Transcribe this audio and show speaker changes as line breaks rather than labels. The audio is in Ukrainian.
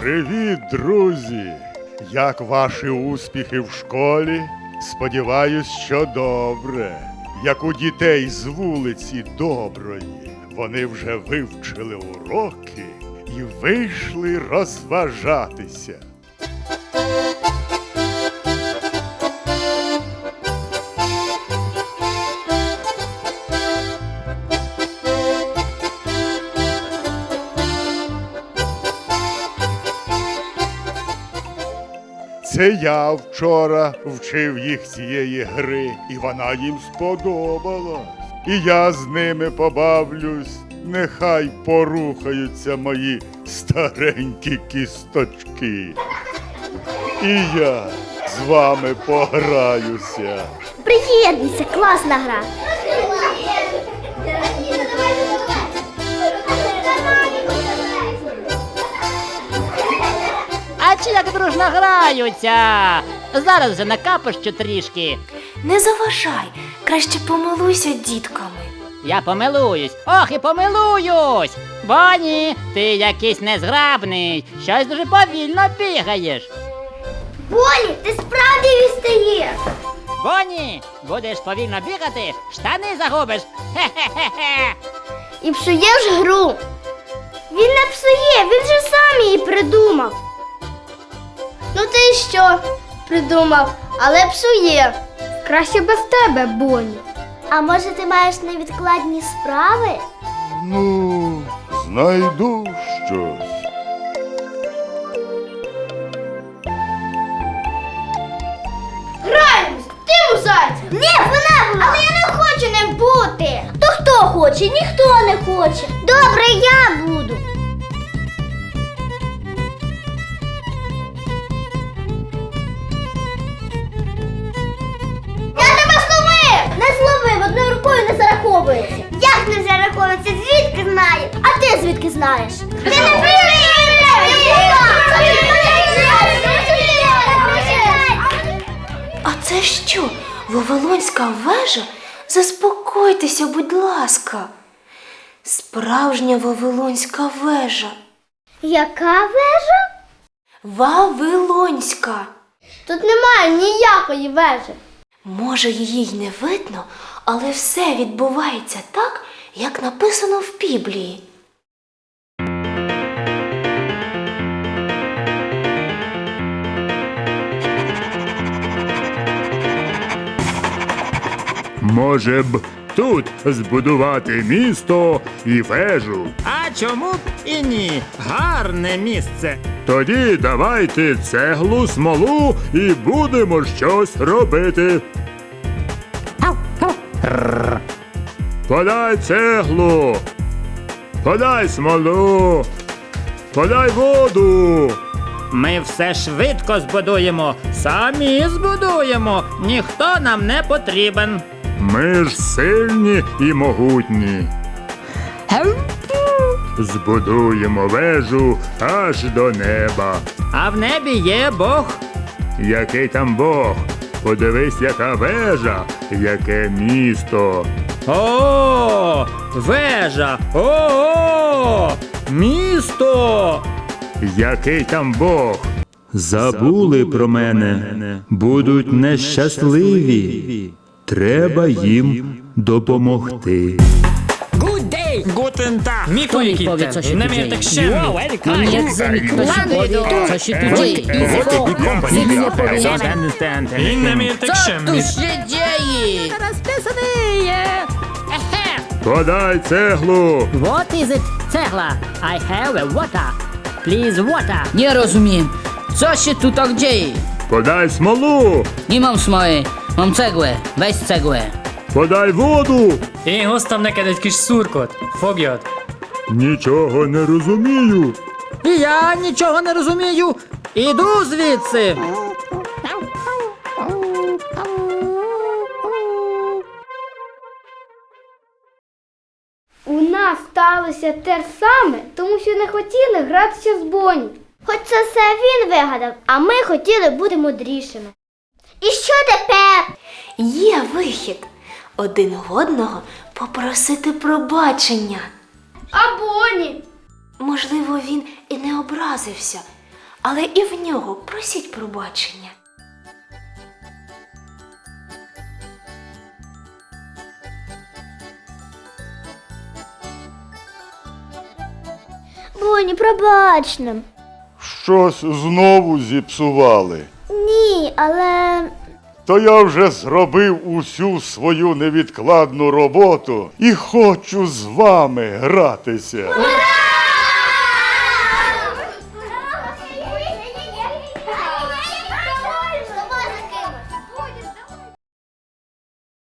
Привіт, друзі! Як ваші успіхи в школі? Сподіваюсь, що добре. Як у дітей з вулиці Доброї. Вони вже вивчили уроки і вийшли розважатися. Це я вчора вчив їх цієї гри, і вона їм сподобалась. І я з ними побавлюсь, нехай порухаються мої старенькі кісточки. І я з вами пограюся.
Приєднуйся, класна гра.
А чи як дружно граються? Зараз вже накапощу трішки.
Не заважай, краще помилуйся дітками.
Я помилуюсь, ох і помилуюсь. Боні, ти якийсь незграбний, щось дуже повільно бігаєш.
Боні, ти справді відстаєш.
Боні, будеш повільно бігати, штани загубиш. Хе-хе-хе-хе.
І псуєш гру. Він не псує, він же сам її придумав. Ну ти що придумав, але псує. Краще без тебе, Боні. А може ти маєш невідкладні справи?
Ну, знайду щось.
Граємось! Ти у зайця! Ні, вона була! Але я не хочу ним бути! То хто хоче? Ніхто не хоче! Добре, я буду! Я тебе зловив! Не зловив, одною рукою не зараховується! Як не зараховується? Звідки знаю? А ти звідки знаєш? Ти не
А це що, Вавилонська вежа? Заспокойтеся, будь ласка. Справжня Вавилонська вежа.
Яка вежа?
Вавилонська.
Тут немає ніякої вежі.
Може, її й не видно, але все відбувається так, як написано в Біблії.
Може б тут збудувати місто і вежу.
А чому б і ні? Гарне місце.
Тоді давайте цеглу, смолу і будемо щось робити. Подай цеглу, подай смолу, подай воду.
Ми все швидко збудуємо, самі збудуємо. Ніхто нам не потрібен.
Ми ж сильні і могутні. Збудуємо вежу аж до неба.
А в небі є Бог.
Який там Бог? Подивись, яка вежа, яке місто.
О, вежа! О, місто!
Який там Бог?
Забули про мене, будуть нещасливі. Треба їм допомогти.
Гутен Таг!
Хто відповідь, co się tu
Не
dzieje?
міртекщемний.
Mam jak zemik, kto się powie, co się tu dzieje? Nic nie powiem.
І не
Co
міртекщемний.
tu się dzieje?
Подай цеглу.
What is it? Цегла. I have a water. Please water.
Nie rozumiem. Co się tu tak dzieje?
Подай смолу.
Nie mam smoły, mam cegłę. Weź cegłę.
Подай воду.
Én hoztam neked egy kis szurkot. Fogjad!
Нічого не розумію.
І я нічого не розумію. Іду звідси.
У нас сталося те ж саме, тому що не хотіли гратися з Боні. Хоч це все він вигадав, а ми хотіли бути мудрішими. І що тепер?
Є вихід. Один одного попросити пробачення.
А Боні?
Можливо, він і не образився, але і в нього просіть пробачення.
Боні, пробач нам.
Щось знову зіпсували.
Ні, але
То я вже зробив усю свою невідкладну роботу і хочу з вами гратися.